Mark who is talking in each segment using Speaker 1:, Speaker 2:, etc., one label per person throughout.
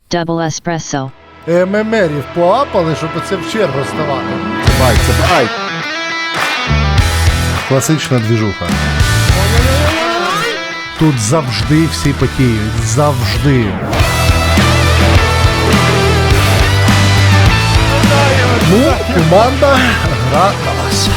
Speaker 1: Double espresso.
Speaker 2: ММРів поапали, щоб оце в чергу ставати. Бай, це бай. Класична двіжуха. Тут завжди всі потіють. Завжди. Ну, команда гра на вас.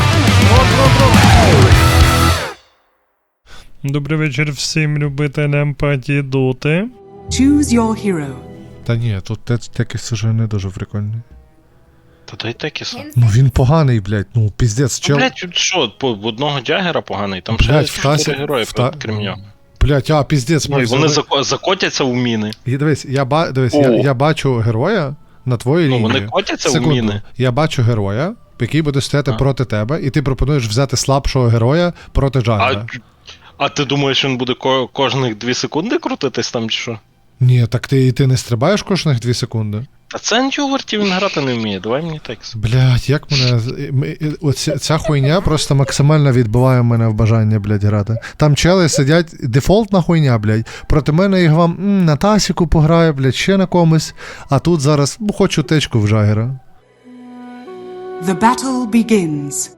Speaker 3: Добрий вечір всім любителям паті доти.
Speaker 4: Choose your hero.
Speaker 2: Та ні, тут Текіс уже не дуже прикольний.
Speaker 5: Та дай Текіса.
Speaker 2: Ну він поганий, блядь, ну піздець, чел.
Speaker 5: Блять, що, в одного Джаггера поганий, там ще
Speaker 2: Блядь,
Speaker 5: 4 герої, крім нього.
Speaker 2: Блядь, піздець.
Speaker 5: Ну, і вони закотяться в міни.
Speaker 2: І дивись,
Speaker 5: О.
Speaker 2: я бачу героя на твоїй
Speaker 5: Ну,
Speaker 2: лінії.
Speaker 5: вони котяться в
Speaker 2: Секунду.
Speaker 5: міни.
Speaker 2: Я бачу героя, який буде стояти проти тебе, і ти пропонуєш взяти слабшого героя проти Джаггера.
Speaker 5: А ти думаєш, він буде кожних 2 секунди крутитись там чи що?
Speaker 2: Ні, так ти не стрибаєш кожних 2 секунди?
Speaker 5: Та це антиовертів він грати не вміє, давай мені Текіс.
Speaker 2: Блядь, як мене. Ця хуйня просто максимально відбиває мене в бажання, блядь, грати. Там чели сидять, дефолтна хуйня, блядь. Проти мене їх вам на Тасіку пограю, блядь, ще на комусь. А тут зараз хочу течку в Джаггера.
Speaker 4: The battle begins.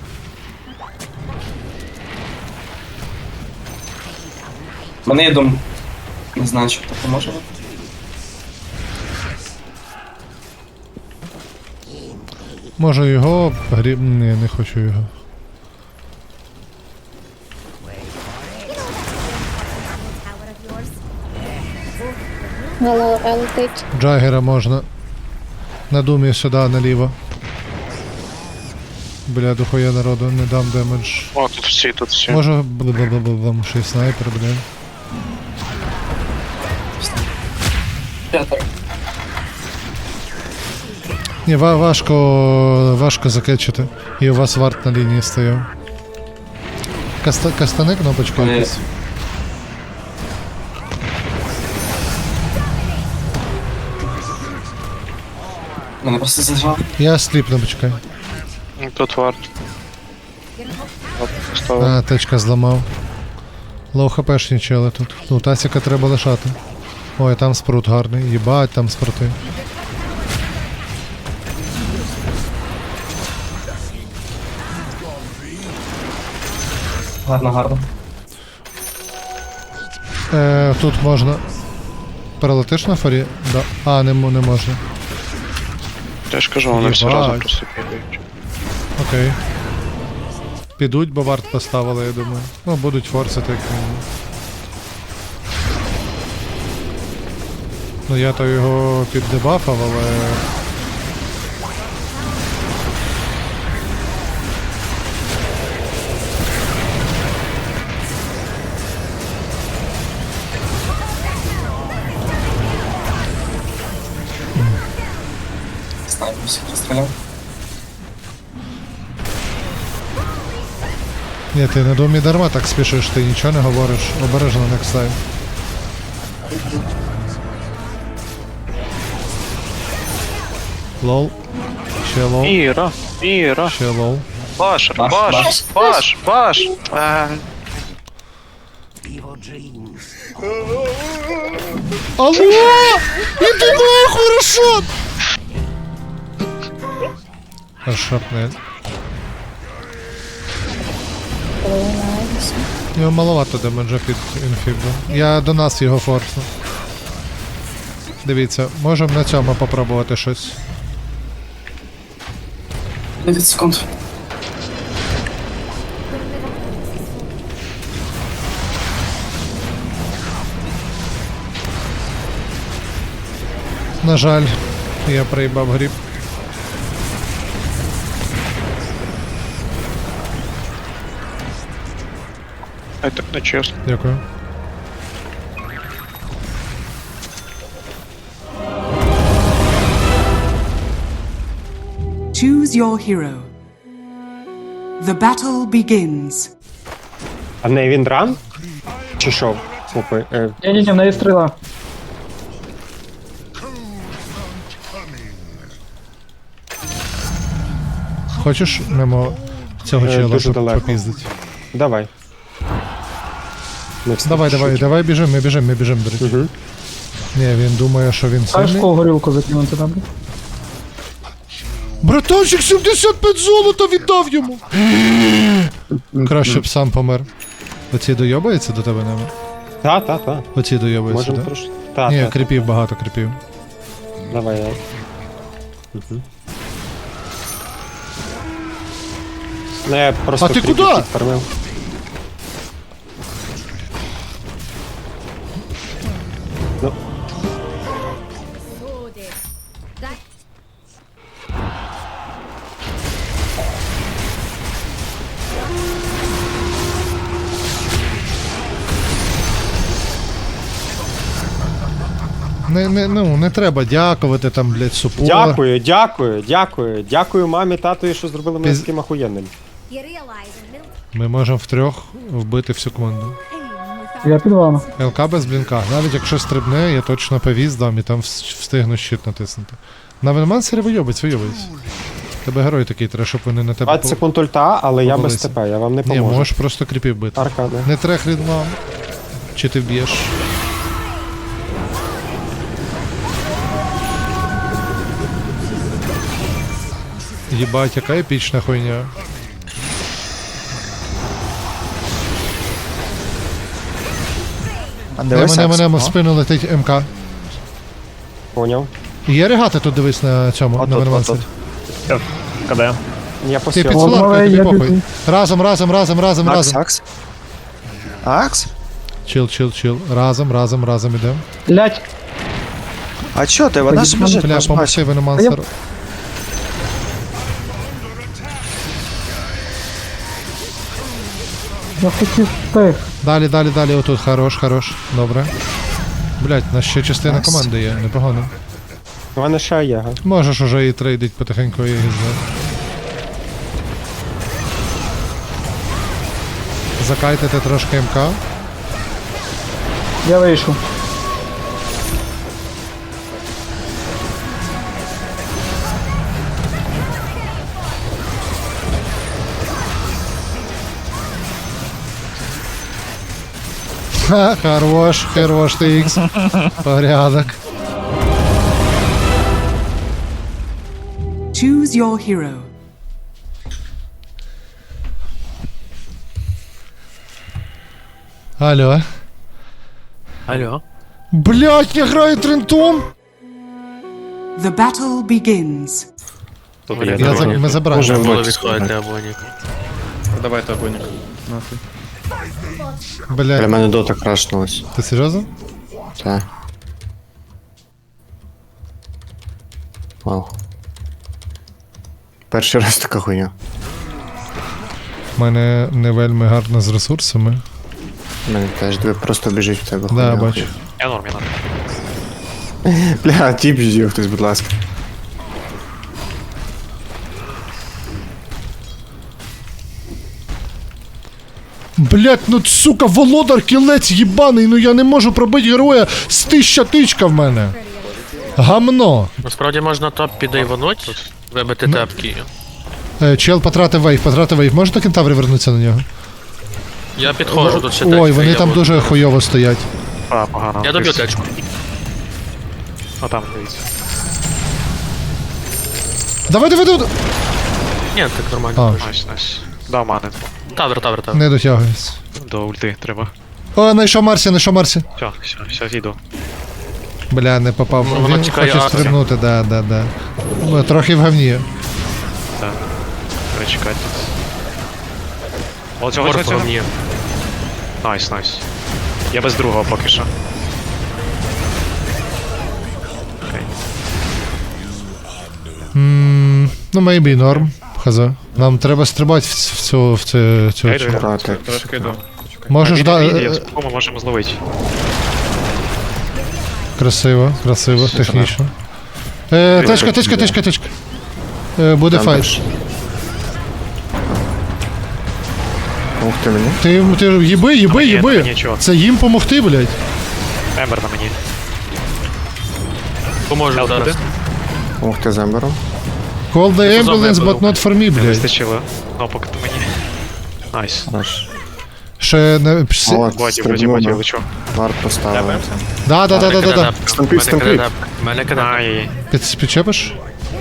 Speaker 6: У мене є дом. Не знаю, що таке може бути.
Speaker 2: Може його Ні, не хочу його.
Speaker 7: Галора летить.
Speaker 2: Джаггера можна. На думі сюди, наліво. Бля, дохуя народу, не дам демедж.
Speaker 5: О, тут всі.
Speaker 2: Може, бла-бла-бла-бла, ще й снайпер, блядь.
Speaker 6: П'ятер.
Speaker 2: Ні, важко закетчити. І у вас варт на лінії стояв. Кастани кнопочку
Speaker 6: Ні.
Speaker 2: якусь.
Speaker 6: Мене просто зажав.
Speaker 2: Я сліпну, почекай.
Speaker 5: Тут варт.
Speaker 2: А, течка зламав. Лоу хпшні чели тут. Ну, Тасіка треба лишати. Ой, там спрут гарний. Єбать, там спрути.
Speaker 6: Гарно.
Speaker 2: Тут можна. Перелетиш на фарі? Да. А, не можна.
Speaker 5: Я ж кажу, вони всі
Speaker 2: Єбать.
Speaker 5: разом просто бігають.
Speaker 2: Окей. Підуть, бо варт поставили, я думаю. Ну, будуть форсити, як мінімум. Ну, я то його піддебафав, але...
Speaker 6: Снайпер всіх розстріляв.
Speaker 2: Ні, ти на домі дарма так спішиш, ти нічого не говориш. Обережно next time. Лол. Ще лол.
Speaker 5: Іра.
Speaker 2: Ще лол.
Speaker 5: Баш.
Speaker 2: Алло! Іди нахуй, Рашат! Шапнель. Його маловато демеджа під інфібу. Я до нас його форсну. Дивіться, можемо на цьому попробувати щось.
Speaker 6: 9 секунд.
Speaker 2: На жаль, я проїбав гріб.
Speaker 5: Ай, так не чесно.
Speaker 2: Дякую.
Speaker 4: Choose your hero. The battle begins.
Speaker 8: А в неї він дран? Чи що? Слухай,
Speaker 9: Ні, в неї стріла.
Speaker 2: Хочеш мимо цього чела
Speaker 8: дуже далеко.
Speaker 2: попіздить?
Speaker 8: давай.
Speaker 2: Давай, біжим, ми біжим, до речі.
Speaker 8: Угу.
Speaker 2: Ні, він думає, що він
Speaker 1: Знаєш,
Speaker 2: сильний.
Speaker 1: кого горілку закинути там?
Speaker 2: Братанчик, 75 золота віддав йому! Краще б сам помер. Оці дойобається до тебе, Немо?
Speaker 8: Та.
Speaker 2: Оці дойобається,
Speaker 8: Можемо
Speaker 2: так?
Speaker 8: трошки. Та,
Speaker 2: Ні,
Speaker 8: та.
Speaker 2: кріпів багато, кріпів.
Speaker 8: Давай. Угу. Ну я просто
Speaker 2: А ти
Speaker 8: кріпів
Speaker 2: куди?
Speaker 8: підфармив. Ну,
Speaker 2: Не треба дякувати там, блядь, супор.
Speaker 8: Дякую мамі, татові, що зробили мене
Speaker 2: Піз-
Speaker 8: таким ахуєнним.
Speaker 7: You realize a little
Speaker 2: Ми можемо втрьох вбити всю команду.
Speaker 7: pain without
Speaker 1: Я під вами.
Speaker 2: ЛК без блінка. Навіть якщо стрибне, я точно повіз дам і там встигну щит натиснути. На Венмансері вийобець. Тебе герой такий треба, щоб вони на тебе
Speaker 8: 20 секунд ульта, але я без
Speaker 2: повалися.
Speaker 8: ТП, я вам не
Speaker 2: Ні,
Speaker 8: поможу.
Speaker 2: можеш просто кріпів бити.
Speaker 8: Аркади.
Speaker 2: Не трех рідмам. Чи ти вб'єш? Єбать, яка епічна хуйня. Немо в спину летить МК.
Speaker 8: Поняв.
Speaker 2: Є регати тут, дивись на цьому, на Венмансері.
Speaker 3: Куди?
Speaker 8: Я
Speaker 2: Ти
Speaker 8: посів.
Speaker 2: під
Speaker 1: Ладно,
Speaker 2: соларкою, тобі
Speaker 1: я
Speaker 2: похуй.
Speaker 1: біжу.
Speaker 2: Разом.
Speaker 9: Акс? Акс?
Speaker 2: Чил. Разом ідем.
Speaker 1: Блять,
Speaker 9: А чо ти? Вона ж біжить,
Speaker 2: Бля,
Speaker 9: наш
Speaker 2: помогти Веномансеру.
Speaker 1: я хотів тих.
Speaker 2: Далі, отут, хорош. Добре. Блять, у нас ще частина команди є, непогано.
Speaker 8: У мене ще є, га.
Speaker 2: Можеш уже і трейдить потихеньку і гізне. Закайтити трошки МК.
Speaker 1: Я вийшов.
Speaker 2: Ха, хорош ти ікс. Порядок.
Speaker 4: Choose your hero.
Speaker 2: Алло. Блять, я граю трентом!
Speaker 4: The battle begins.
Speaker 2: Ми забираємо.
Speaker 10: Давайте обойник.
Speaker 2: Блять,
Speaker 9: Для мене дота крашнулась.
Speaker 2: ти серйозно?
Speaker 9: Так. Вау. Перший раз така хуйня.
Speaker 2: У мене не вельми гарно з ресурсами.
Speaker 9: У мене теж дві просто біжить в тебе.
Speaker 2: Да,
Speaker 9: хуйня.
Speaker 2: бачу.
Speaker 10: Я норм.
Speaker 9: Бля, тіп ждів хтось, будь ласка.
Speaker 2: Блять, ну сука, володар кілець їбаний, ну я не можу пробити героя з 1000 тичка в мене. Гамно.
Speaker 11: Насправді можна топ підайвануть, вибити тепки.
Speaker 2: Чел потратив вейв. Можете кентаври вернутися на нього?
Speaker 11: Я підходжу тут ще
Speaker 2: Ой,
Speaker 11: течка,
Speaker 2: вони
Speaker 11: я
Speaker 2: там
Speaker 11: буду.
Speaker 2: дуже хуйово стоять.
Speaker 10: Погано.
Speaker 11: Я доб'ю течку.
Speaker 10: А там, дивіться.
Speaker 2: Давай.
Speaker 11: Ні, так нормально.
Speaker 2: А,
Speaker 10: Найс. Дав мани.
Speaker 11: Тавер.
Speaker 2: не дотягується.
Speaker 10: До ульти треба.
Speaker 2: О, знайшов Марсі.
Speaker 10: Все, йду.
Speaker 2: Бля, не попав.
Speaker 11: Ну, воно
Speaker 2: Він
Speaker 11: тікає
Speaker 2: хоче
Speaker 11: Арсі.
Speaker 2: стрибнути, да. Ну, трохи в говні.
Speaker 10: Перечекати тут. О, цього.
Speaker 11: Морфа мені.
Speaker 10: Найс. Я без другого поки що. Окей.
Speaker 2: Ну, maybe норм. Хаза. Нам треба стрибати в цю.
Speaker 10: Я йду.
Speaker 9: Так.
Speaker 10: Трошки йду.
Speaker 2: Можеш
Speaker 10: Ми можемо зловити.
Speaker 2: Красиво, технічно. Тичка. Буде
Speaker 9: Там
Speaker 2: файт.
Speaker 9: теж. Ух ти мені.
Speaker 2: Ти їби.
Speaker 10: Нічого.
Speaker 2: Це їм помогти, блядь.
Speaker 10: Ембер на мені.
Speaker 11: Поможу зараз.
Speaker 9: Ух ти з Ембером.
Speaker 2: Call the
Speaker 11: Позов
Speaker 2: ambulance,
Speaker 11: виберу.
Speaker 2: but not for me,
Speaker 10: Не
Speaker 2: блядь.
Speaker 10: вистачило. Ну, поки ти мені. Найс.
Speaker 9: Наш.
Speaker 2: Ще не...
Speaker 9: О,
Speaker 10: Боді, боді, лечу.
Speaker 9: Варт поставили.
Speaker 2: Да.
Speaker 9: Стампід, стампід.
Speaker 11: Мене кидап.
Speaker 10: Ай,
Speaker 2: Підчепиш?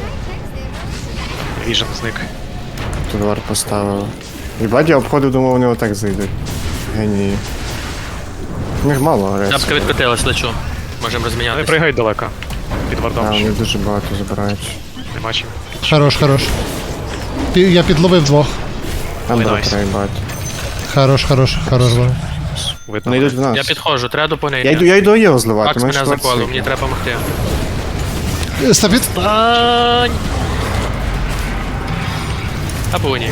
Speaker 10: віжен зник.
Speaker 9: Тут варт поставили. Їбать, я обходив, думав, вони отак зайдуть. Генії. У них мало агресії.
Speaker 11: Тапка відкотилась, лечу. Можемо
Speaker 10: Не
Speaker 11: розмінятися.
Speaker 10: пригають далеко. Під вардом.
Speaker 9: А, вони дуже багато забирають.
Speaker 10: Нема чим.
Speaker 2: Хорош. Я підловив двох.
Speaker 9: Там
Speaker 10: Ой,
Speaker 9: було
Speaker 10: найс.
Speaker 9: проїбати.
Speaker 2: Хорош.
Speaker 10: Видно.
Speaker 9: Вони йдуть в нас.
Speaker 11: Я підходжу, треба допомогти.
Speaker 9: Я йду його зливати.
Speaker 11: Акс
Speaker 9: мене
Speaker 11: мене
Speaker 9: шкварц
Speaker 11: заколив,
Speaker 9: є.
Speaker 11: мені треба допомогти.
Speaker 2: Стампід.
Speaker 11: Ань! Або ні.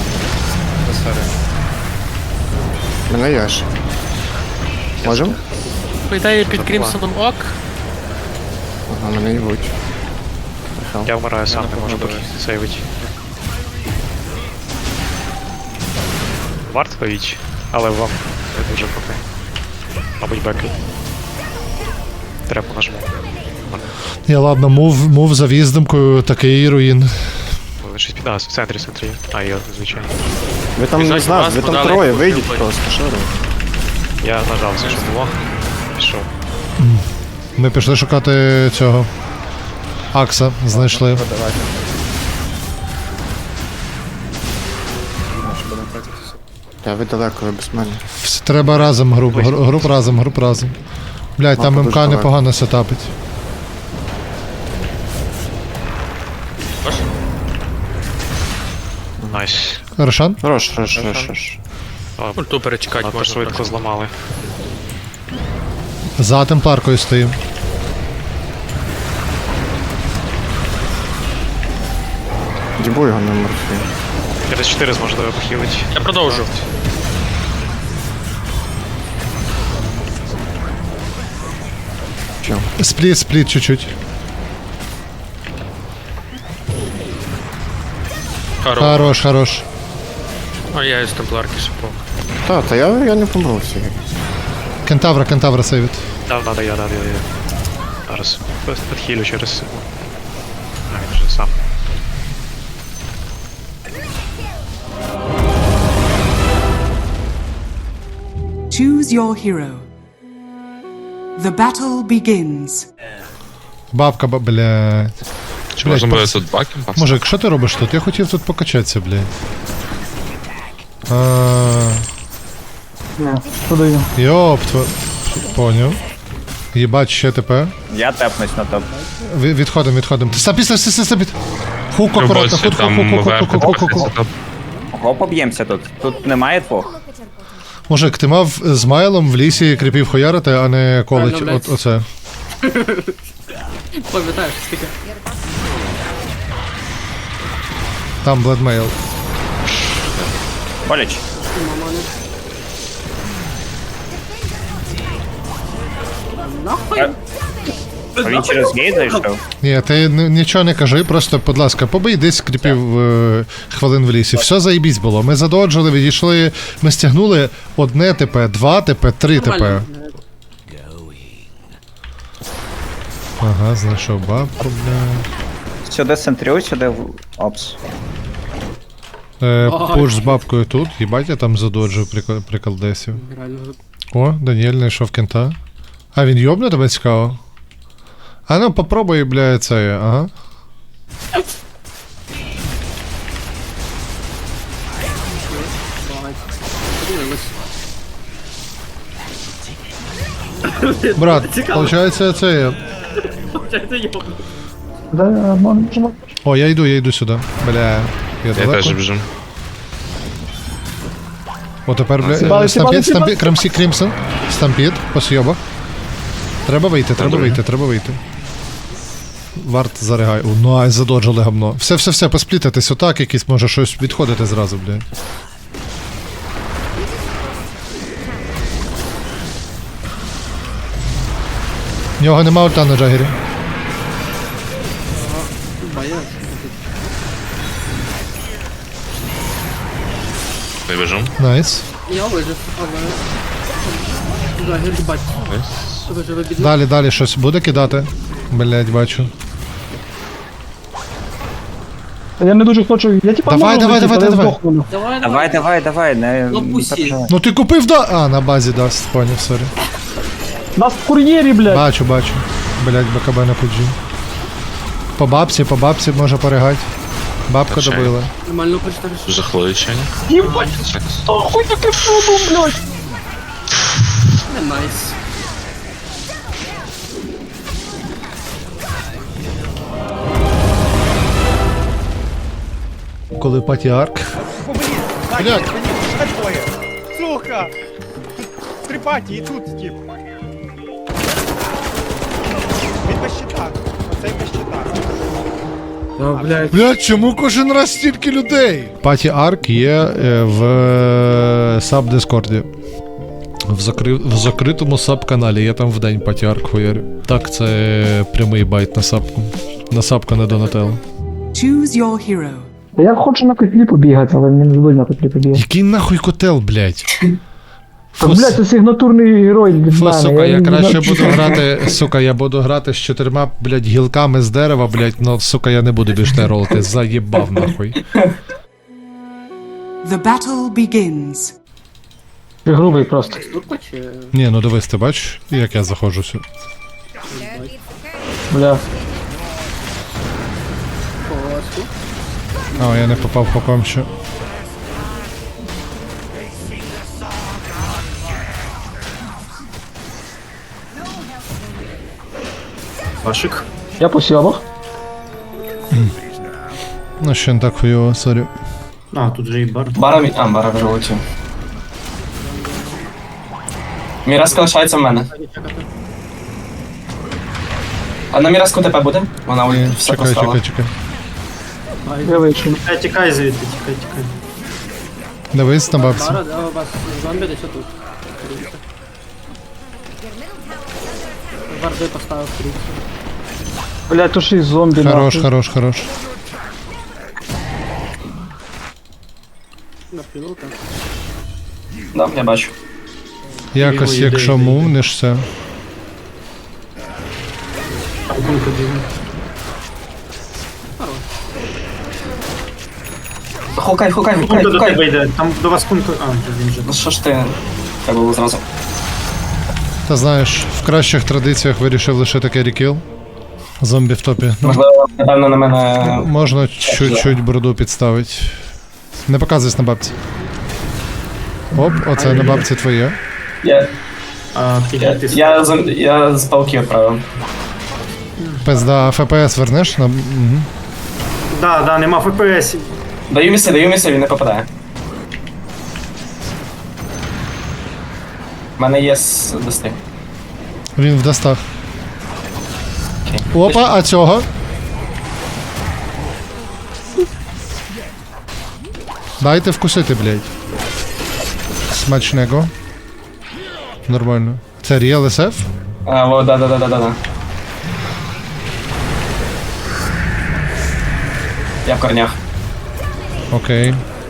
Speaker 9: Мене яш. Можем?
Speaker 11: По ідеї під Крімсоном ок.
Speaker 9: Ага, мене їбуть.
Speaker 10: Я вмираю сам, не можу сейвити. Варт повіч, але вам не дуже поки. Мабуть, беки. Треба нажму.
Speaker 2: Я ладно, мув за в'їздимкою, такий руїн.
Speaker 10: Ви щось в центрі. А, я, звичайно.
Speaker 9: Ви там не
Speaker 11: Біжать
Speaker 9: знав,
Speaker 11: вас,
Speaker 9: ви там
Speaker 11: подали.
Speaker 9: троє, вийдіть просто, що ви?
Speaker 10: Я нажав все, що було. Пішов.
Speaker 2: Ми пішли шукати цього. Акса знайшли.
Speaker 9: Та ви далеко, ви без мене.
Speaker 2: Треба разом груп разом. Блядь, там
Speaker 9: Мапа
Speaker 2: МК
Speaker 9: дуже
Speaker 2: непогано сетапить.
Speaker 10: Найс.
Speaker 2: Рошан?
Speaker 9: Хорош.
Speaker 11: Ульту перечекати
Speaker 10: Надто
Speaker 11: можна.
Speaker 10: швидко
Speaker 11: трохи.
Speaker 10: зламали.
Speaker 2: За темпларкою стоїм.
Speaker 9: Дібу його на морфі.
Speaker 10: Через 4 зможу тебе похилити.
Speaker 11: Я продовжу.
Speaker 9: Чо?
Speaker 2: Спліт чуть-чуть. Хорош.
Speaker 11: А я із темпларки шипов.
Speaker 9: Та я не помру всі.
Speaker 2: Кентавра сейвить.
Speaker 10: Надо я. Зараз. Підхилю через секунду. А, він вже сам.
Speaker 4: Choose your hero. The battle begins.
Speaker 2: Бабка, блядь.
Speaker 12: Чи можна буде тут баком?
Speaker 2: Мужик, що ти робиш тут? Я хотів тут покачатися, блядь.
Speaker 1: Ні, подаю.
Speaker 2: Йоп, поняв. Єбать, ще ТП.
Speaker 6: Я тепнусь на топ.
Speaker 2: Відходимо. Стампід. Хук акуратно, хук.
Speaker 6: Ого, поб'ємося тут. Тут немає двох.
Speaker 2: Мужик, ти мав з Майлом в лісі кріпів хуярити, а не колить оце.
Speaker 6: Пам'ятаєш, скільки?
Speaker 2: Там Бладмейл.
Speaker 6: Боліч. А він через гейт зайшов?
Speaker 2: Ні, ти нічого не кажи, просто, будь ласка, побий десь кріпів хвилин в лісі. Все заєбісь було. Ми задоджили, відійшли, ми стягнули 1 ТП, 2 ТП, 3 ТП. Ага, знайшов бабку, бля.
Speaker 6: Сюди центрю, сюди в опс.
Speaker 2: Пуш з бабкою тут, їбать, я там задоджив приколдесів. О, Даніель знайшов кента. А він йобне тебе цікаво? А ну попробуй, бля, це, ага. Брат, получається це.
Speaker 1: Да, можемо.
Speaker 2: О, я йду сюди. Бля, я
Speaker 12: Я
Speaker 2: далеко.
Speaker 12: теж біжу.
Speaker 2: О, тепер, бля,
Speaker 1: Сібали,
Speaker 2: стампід, Крімсон, стампід, по сйобах. Треба вийти. Варт заригай. О, найс, задоджили гамно. Все, посплітитись отак, якийсь може щось відходити зразу, блядь. В нього нема ульта на Джагері.
Speaker 12: Не біжу.
Speaker 2: Найс.
Speaker 6: Я вижив, але...
Speaker 2: Далі щось буде кидати. Блядь, бачу.
Speaker 1: Я не дуже хочу. Я типа
Speaker 2: Давай,
Speaker 1: можу
Speaker 2: давай,
Speaker 1: вийти,
Speaker 2: давай,
Speaker 1: але
Speaker 2: давай.
Speaker 1: здохну.
Speaker 6: Давай, не переживай.
Speaker 2: Ну ти купив А, на базі даст, поняв, сорі.
Speaker 1: Нас в кур'єрі, блядь.
Speaker 2: Бачу. Блять, БКБ на пуджі. По бабці може поригать. Бабка
Speaker 12: Качай.
Speaker 2: добила.
Speaker 12: Жахливе чайня.
Speaker 1: Єбать, хуй таке пробу, блядь.
Speaker 2: Коли патіарк. Блять,
Speaker 3: Сука! Три паті і тут тип. Він без щита. Оцей без щита.
Speaker 2: блять, чому кожен раз стільки людей? Патіарк є в саб-дискорді. В закритому саб-каналі, я там вдень патіарк хуярю. Так, це прямий байт на сабку. На сабку не Донателло.
Speaker 4: Choose your hero.
Speaker 1: Я хочу на котлі побігати, але мені не звик на котлі побігати.
Speaker 2: Який нахуй котел, блять?
Speaker 1: Так, блядь, це сигнатурний герой від
Speaker 2: Фу,
Speaker 1: мене.
Speaker 2: сука, я
Speaker 1: не
Speaker 2: краще
Speaker 1: знаю,
Speaker 2: буду
Speaker 1: чи-
Speaker 2: грати, сука, я буду грати з 4, блядь, гілками з дерева, блядь, но, сука, я не буду більш те ролити, заєбав нахуй.
Speaker 4: The battle begins.
Speaker 1: Ти грубий просто.
Speaker 2: Ні, ну дивись, ти бачиш, як я заходжу сюди.
Speaker 1: Бля.
Speaker 2: А, я не попав по комчу.
Speaker 6: Вашик.
Speaker 1: Я по сьомах.
Speaker 2: Ну, ще не так хуйово, сорі.
Speaker 6: Бара вже улетів. Міраска лишається в мене. А на Міраску ТП буде? Вона
Speaker 2: Ні,
Speaker 6: все
Speaker 2: чекай,
Speaker 6: поставила.
Speaker 2: чекай.
Speaker 1: Я вийшов.
Speaker 6: Тікай звідти, тікай.
Speaker 2: Дивись на бабці.
Speaker 1: Блядь, то ще й зомбі.
Speaker 2: Хорош,
Speaker 1: нахуй.
Speaker 2: хорош.
Speaker 6: Да, я бачу.
Speaker 2: Якось, якщо мувнешся.
Speaker 6: Хукай. Там до вас кунку. Ну що ж ти? Треба було зразу.
Speaker 2: Та знаєш, в кращих традиціях вирішив лишити керрі-кіл. Зомбі в топі. Ну,
Speaker 6: Можливо, напевно, на мене.
Speaker 2: можна чуть-чуть бороду підставити. Не показуйся на бабці. Оп, оце на бабці твоє.
Speaker 6: Я з палки відправив.
Speaker 2: Пизда, ФПС вернеш? Угу.
Speaker 6: Да, нема ФПС. Даю місце, він не попадає. У мене є достиг.
Speaker 2: Він в достах.
Speaker 6: Окей.
Speaker 2: Опа, а цього? Дайте вкусити, блядь. Смачного. Нормально. Це Real SF?
Speaker 6: Да. Я в корнях.
Speaker 2: Окей.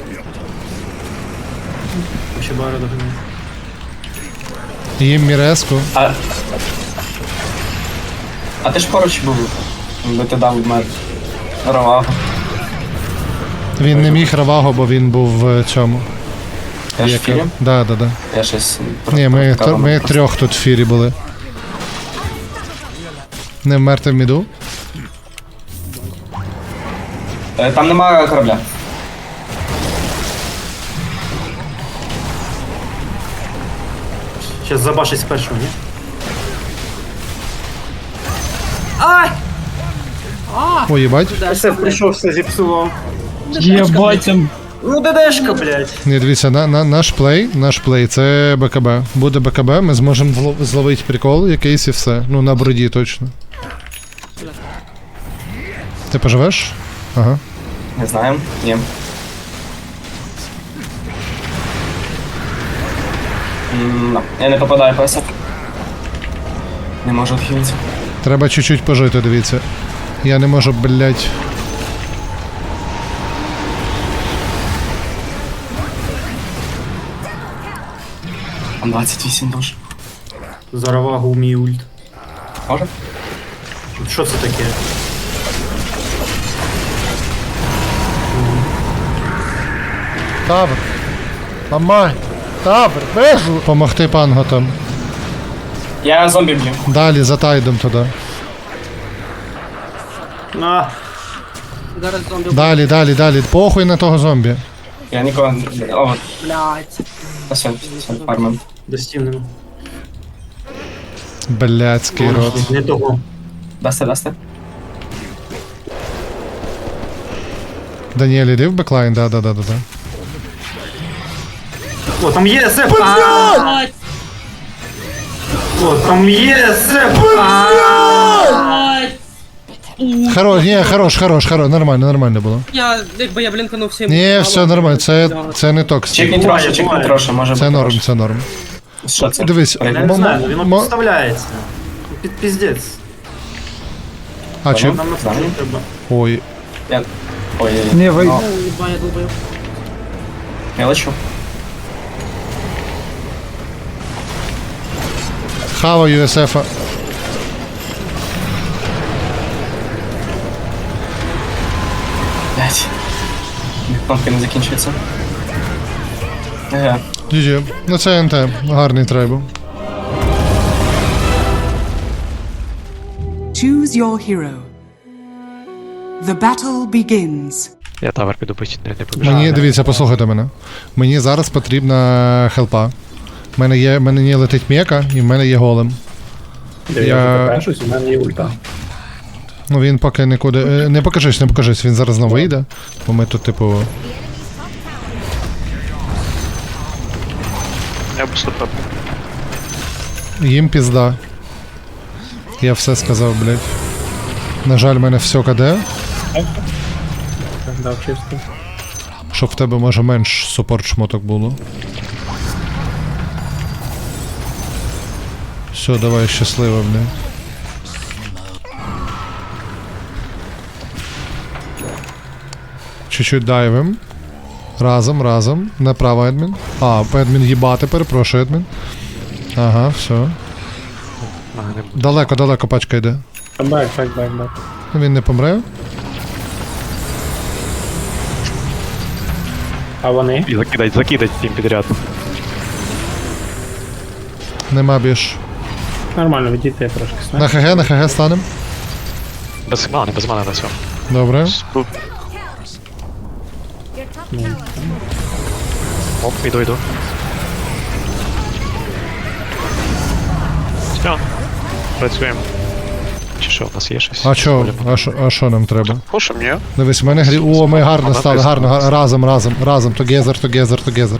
Speaker 6: Ще бара доганяє.
Speaker 2: Їм міреску.
Speaker 6: А ти ж поруч був, би ти дав мед. Ровагу.
Speaker 2: Він не міг равагу, бо він був в цьому.
Speaker 6: Я ж в фірі?
Speaker 2: Да.
Speaker 6: Я щось...
Speaker 2: Ні, ми трьох тут в фірі були. Не вмерти в міду.
Speaker 6: Там немає корабля.
Speaker 8: Сейчас забашить з першого, ні?
Speaker 2: Ой, їбать.
Speaker 8: Все, прийшов, все зіпсував.
Speaker 1: Єбать.
Speaker 8: Ну, ДДшка, блядь.
Speaker 2: Ні, дивіться, наш плей це БКБ. Буде БКБ, ми зможемо зловити прикол якийсь і все. Ну, на броді точно. Ти поживеш? Ага.
Speaker 6: Не знаю, ні. Я не попадаю песок. Не можу відхилитися.
Speaker 2: Треба чуть-чуть пожити, дивіться. Я не можу, блядь.
Speaker 6: Там 28 душ.
Speaker 8: За равагу мій ульт.
Speaker 6: Може?
Speaker 8: Що це таке?
Speaker 2: Тавр. Ламай. Тавр, вижу. Помогти пангу там.
Speaker 6: Я зомбі б'ю.
Speaker 2: Далі за тайдом туди.
Speaker 6: На.
Speaker 2: Далі. Похуй на того зомбі.
Speaker 6: Я нікого не... О, блядь. Все, фармим. Достівнемо.
Speaker 2: Блядський рот.
Speaker 6: Не того. Дасте.
Speaker 2: Даніель, іди в беклайн, да.
Speaker 6: О, там є СФ! Блядь! О, там є СФ!
Speaker 2: Хорош, нормально було.
Speaker 11: Якби я блінканув всім.
Speaker 2: Ні, все нормально, це не токсик.
Speaker 6: Чекніть трошки, може
Speaker 2: Це
Speaker 6: бути.
Speaker 2: норм.
Speaker 6: Що це?
Speaker 2: Дивись,
Speaker 6: Я не знаю, воно підставляється. Піздець.
Speaker 2: А чи...
Speaker 6: Нам на це не треба.
Speaker 2: Ой,
Speaker 6: Ой,
Speaker 1: Не, ви...
Speaker 6: я лечу.
Speaker 2: хаваю СФ-а.
Speaker 6: Блядь. Кнопки не закінчуються. Ага.
Speaker 2: GG. Ну це НТ, гарний трейбл.
Speaker 4: Choose your hero. The battle begins.
Speaker 10: Я тавер піду бить, не побіжу.
Speaker 2: Мені, дивіться, послухайте мене. Мені зараз потрібна хелпа. В мене не летить мека, і в мене є голем. Я...
Speaker 8: у мене є ульта.
Speaker 2: Ну він поки нікуди... Не покажись, він зараз знову вийде. Бо ми тут, типу...
Speaker 10: Я б супер.
Speaker 2: Їм пізда. Я все сказав, блядь. На жаль, в мене все КД.
Speaker 8: Дав чисто.
Speaker 2: Щоб в тебе, може, менш супорт шмоток було. Все, давай, щасливо, блядь. Чуть-чуть дайвим. Разом. Направо, адмін. А, адмін їбати, перепрошую, адмін. Ага, все. Далеко пачка йде.
Speaker 8: Бек.
Speaker 2: Він не помре.
Speaker 8: А вони?
Speaker 10: І закидать всім підряд.
Speaker 2: Нема більш.
Speaker 8: Нормально, відійти трошки.
Speaker 2: На ХГ станем.
Speaker 10: Без мани на цьому.
Speaker 2: Добре.
Speaker 7: Your top tower.
Speaker 10: Оп, іду. Все. Працюємо. Чи що, у нас є щось?
Speaker 2: А що нам треба?
Speaker 10: Пушим, ні?
Speaker 2: Дивись, в мене грі... О, ми гарно стали, гарно. Разом. Together.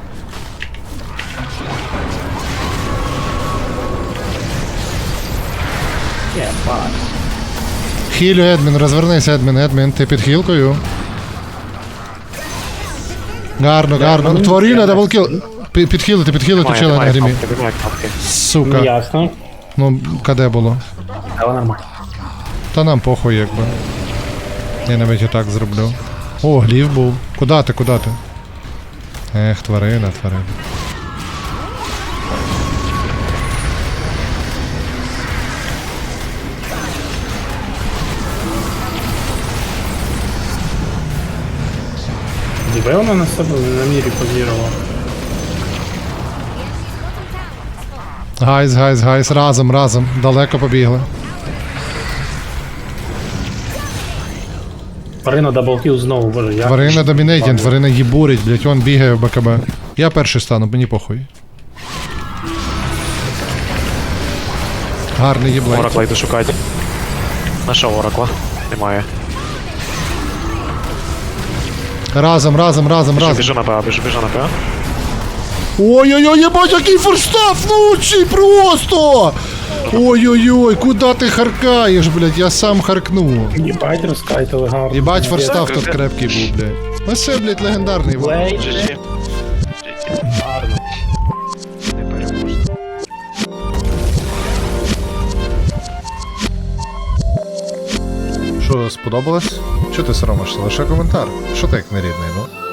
Speaker 2: Хілю, Едмін, розвернись, Едмін, ти під хілкою. Гарно. Тварина, даблкіл. Підхилити чела на грімі. Сука.
Speaker 8: Ясно.
Speaker 2: Ну, КД було.
Speaker 8: Але нормально.
Speaker 2: Та нам похуй, якби. Я навіть і так зроблю. О, глів був. Куда ти? Ех, тварина.
Speaker 8: Діби вона на себе на мірі позірувала.
Speaker 2: Гайз, разом. Далеко побігли.
Speaker 8: Тварина даблкіл знову, боже, я...
Speaker 2: Тварина домінейтінг, тварина їбурить, блять, он бігає в БКБ. Я перший стану, мені похуй. Гарний їблейт.
Speaker 10: Оракла йду шукати. Нашов оракла. Немає.
Speaker 2: Разом.
Speaker 10: Біжу на ПА.
Speaker 2: Ой-ой-ой, ебать, який форстав, влучий просто! Ой-ой-ой, куда ти харкаєш, блядь, я сам харкну.
Speaker 8: Їбать, розкайтили гарно.
Speaker 2: Єбать, форстав тут крепкий був, блядь. Ну все, блядь, легендарний.
Speaker 10: GG.
Speaker 8: Гарно.
Speaker 2: Що, сподобалось? Чого ти соромишся? Лише коментар. Що ти як нерідний, ну?